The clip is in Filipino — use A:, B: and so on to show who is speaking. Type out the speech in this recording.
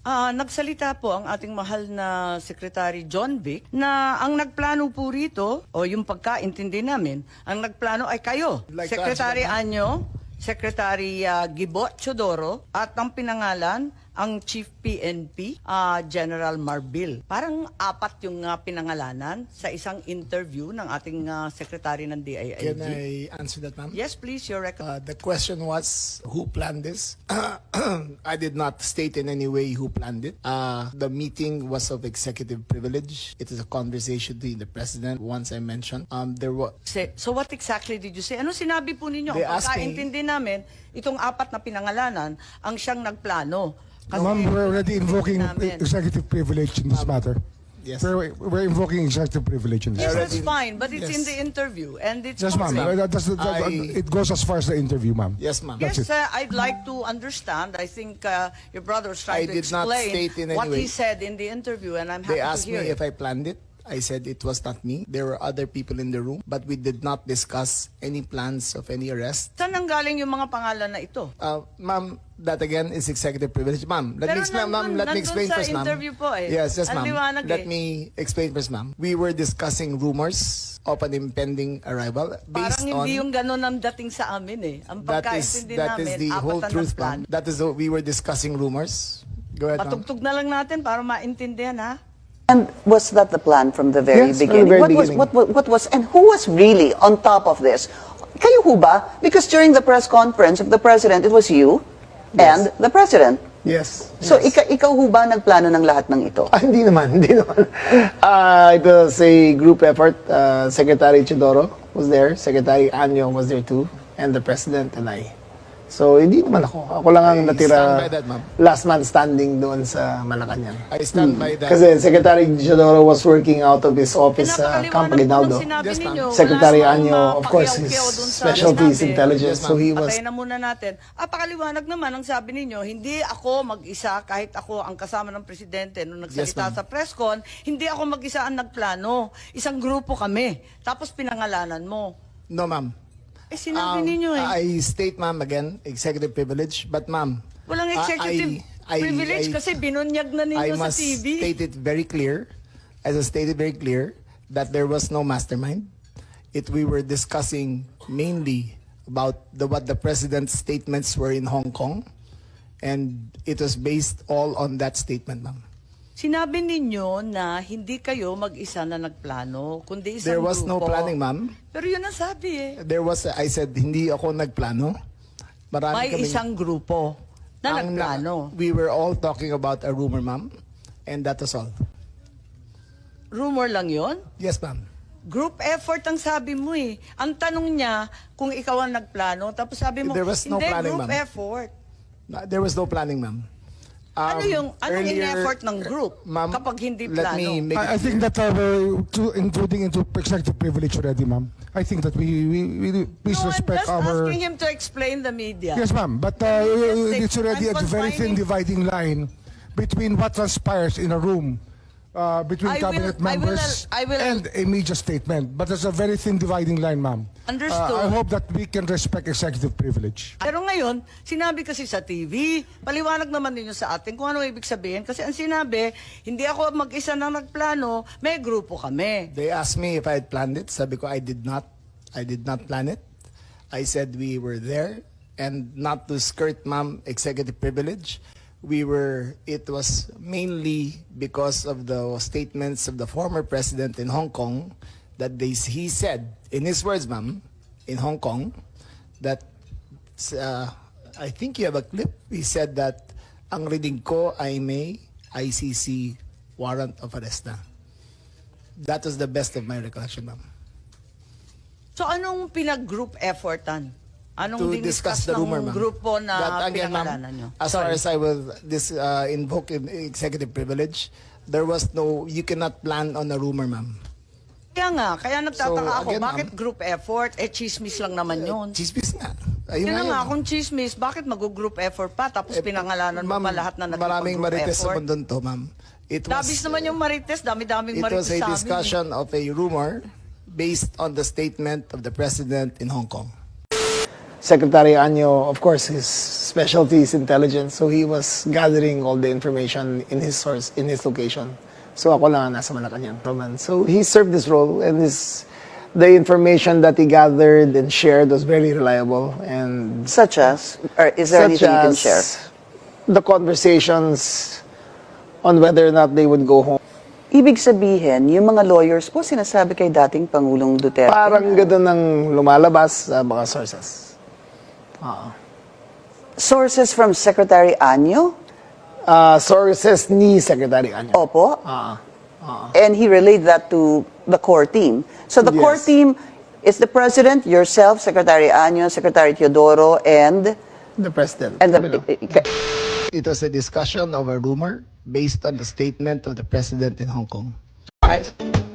A: Nagsalita po ang ating mahal na Secretary John Vic na ang nagplano po rito, o yung pagkaintindi namin, ang nagplano ay kayo,
B: Like to
A: Secretary
B: answer that,
A: Anyo, Secretary Gibo Chodoro, at ang pinangalan, ang Chief PNP, General Marbil. Parang apat yung pinangalanan sa isang interview ng ating Secretary ng DILG.
B: Can I answer that, ma'am?
A: Yes, please, your
B: The question was, who planned this? I did not state in any way who planned it. The meeting was of executive privilege. It is a conversation between the president, once I mentioned. There was...
A: So what exactly did you say? Ano sinabi po ninyo?
B: They
A: Ang
B: asked me-
A: pagkaintindi namin, itong apat na pinangalanan, ang siyang nagplano. Kasi
C: Ma'am, we're already invoking
A: namin.
C: executive privilege in this matter.
B: Yes.
C: We're invoking executive privilege in this
A: Yes,
C: matter.
A: that's fine, but it's
B: Yes.
A: in the interview, and it's
C: Yes, ma'am.
A: public.
C: It goes as far as the interview, ma'am.
B: Yes, ma'am.
C: That's
A: Yes,
C: it.
A: I'd like to understand. I think your brother was trying
B: I
A: to
B: did not
A: explain
B: state in any
A: what
B: way.
A: he said in the interview, and I'm happy
B: They
A: to
B: asked
A: hear
B: me
A: it.
B: if I planned it. I said it was not me. There were other people in the room, but we did not discuss any plans of any arrest.
A: Saan nanggaling yung mga pangalan na ito?
B: Ma'am, that again is executive privilege. Ma'am, let
A: Pero
B: me explain, ma'am. Let me
A: nandun
B: explain
A: sa
B: first, ma'am.
A: interview po eh.
B: Yes, yes,
A: Ang
B: ma'am.
A: liwanag
B: Let
A: eh.
B: me explain first, ma'am. We were discussing rumors of an impending arrival based
A: Parang
B: on...
A: hindi yung ganun ang dating sa amin eh. Ang pagkaintindi
B: that
A: namin,
B: is the
A: apat
B: whole
A: na
B: truth,
A: nagplano.
B: ma'am. That is we were discussing rumors. Go ahead, ma'am.
A: Patugtog na lang natin para maintindihan ha.
D: And was that the plan from the very
B: Yes, from the
D: beginning?
B: very
D: What
B: beginning.
D: what was, and who was really on top of this? Kayo ho ba? Because during the press conference of the president, it was you and the president.
B: Yes.
D: So ikaw ho ba nagplano ng lahat ng ito?
B: Hindi naman, hindi naman. It was a group effort. Secretary Chodoro was there, Secretary Anyo was there too, and the President and I. So, hindi naman ako. Ako lang ang natira
E: stand by that, ma'am.
B: last man standing doon sa Malacanang.
E: I stand by that.
B: Kasi Secretary Chodoro was working out of his office sa Camp
A: Pinapakaliwanag po
B: Aguinaldo.
A: ng sinabi
E: Yes, ma'am.
A: ninyo.
B: Secretary
A: Wala
B: Anyo,
A: namang
B: of course, his
A: pakiyaw-kiyaw dun sa
B: specialty is
A: sinabi.
B: intelligence. So he was...
A: Patayin na muna natin. Pakaliwanag naman ang sabi ninyo, hindi ako mag-isa kahit ako ang kasama ng presidente nung nagsalita
B: Yes, ma'am.
A: sa press con, hindi ako mag-isa ang nagplano. Isang grupo kami. Tapos pinangalanan mo.
B: No, ma'am.
A: Sinabi ninyo eh.
B: I state, ma'am, again, executive privilege. But, ma'am...
A: Walang executive privilege kasi binunyag na
B: I
A: ninyo sa
B: must
A: TV.
B: state it very clear, as I stated very clear, that there was no mastermind. We were discussing mainly about what the president's statements were in Hong Kong, and it was based all on that statement, ma'am.
A: Sinabi ninyo na hindi kayo mag-isa na nagplano, kundi isang
B: There was no
A: grupo.
B: planning, ma'am.
A: Pero yun ang sabi eh.
B: I said, hindi ako nagplano. Marami
A: May
B: kaming-
A: isang grupo na
B: ang
A: nagplano.
B: We were all talking about a rumor, ma'am, and that was all.
A: Rumor lang yon.
B: Yes, ma'am.
A: Group effort ang sabi mo eh. Ang tanong niya kung ikaw ang nagplano, tapos sabi mo,
B: There was no
A: hindi,
B: planning,
A: group
B: ma'am.
A: effort.
B: There was no planning, ma'am.
A: Anong
B: Earlier-
A: in-effort ng group
B: Ma'am,
A: kapag hindi
B: let
A: plano?
B: me make
C: I think that we're including into executive privilege already, ma'am. I think that we please
A: No, I'm
C: respect
A: just
C: our...
A: asking him to explain the media.
C: Yes, ma'am. But
A: Yes,
C: it's already a very thin
A: confining-
C: dividing line between what transpires in a room between cabinet members
A: I will-
C: and a media statement. But there's a very thin dividing line, ma'am.
A: Understood.
C: I hope that we can respect executive privilege.
A: Pero ngayon, sinabi kasi sa TV, paliwanag naman ninyo sa atin kung ano ibig sabihin. Kasi ang sinabi, hindi ako mag-isa na nagplano, may grupo kami.
B: They asked me if I had planned it. Sabi ko, I did not. I did not plan it. I said we were there, and not to skirt, ma'am, executive privilege. It was mainly because of the statements of the former president in Hong Kong that he said, in his words, ma'am, in Hong Kong, that, I think you have a clip, he said that, ang reading ko ay may ICC warrant of arrest na. That was the best of my recollection, ma'am.
A: So anong pinag-group effortan?
B: To
A: Anong
B: discuss
A: diniscuss
B: the rumor,
A: ng
B: ma'am.
A: grupo na
B: That, again, ma'am,
A: pinangalanan nyo?
B: as far as I will invoke in executive privilege, there was no, you cannot plan on a rumor, ma'am.
A: Kaya nagtataka
B: So,
A: ako,
B: again,
A: bakit
B: ma'am,
A: group effort? Chismis lang naman yun.
B: Chismis nga. Ayun
A: Yun na nga,
B: yun.
A: kung chismis, bakit mag-group effort pa? Tapos pinangalanan mo
B: Ma'am,
A: pa lahat na
B: maraming
A: nag-group
B: marites sa
A: effort?
B: mundo to, ma'am.
A: Dabis naman yung marites, dami-daming
B: It
A: marites
B: was a
A: sa amin.
B: discussion of a rumor based on the statement of the president in Hong Kong. Secretary Anyo, of course, his specialty is intelligence, so he was gathering all the information in his source, in his location. So ako lang ang nasa Malacanang. So he served this role, and the information that he gathered and shared was very reliable. And
D: Such as? Or is there
B: such
D: anything you can
B: as
D: share?
B: the conversations on whether or not they would go home.
D: Ibig sabihin, yung mga lawyers po sinasabi kay dating Pangulong Duterte.
B: Parang gano'n ang lumalabas sa mga sources.
D: Sources from Secretary Anyo?
B: Sources ni Secretary Anyo.
D: Opo. And he relayed that to the core team. So the core
B: Yes.
D: team is the President, yourself, Secretary Anyo, Secretary Teodoro, and
B: The President.
D: the...
B: It was a discussion of a rumor based on the statement of the President in Hong Kong.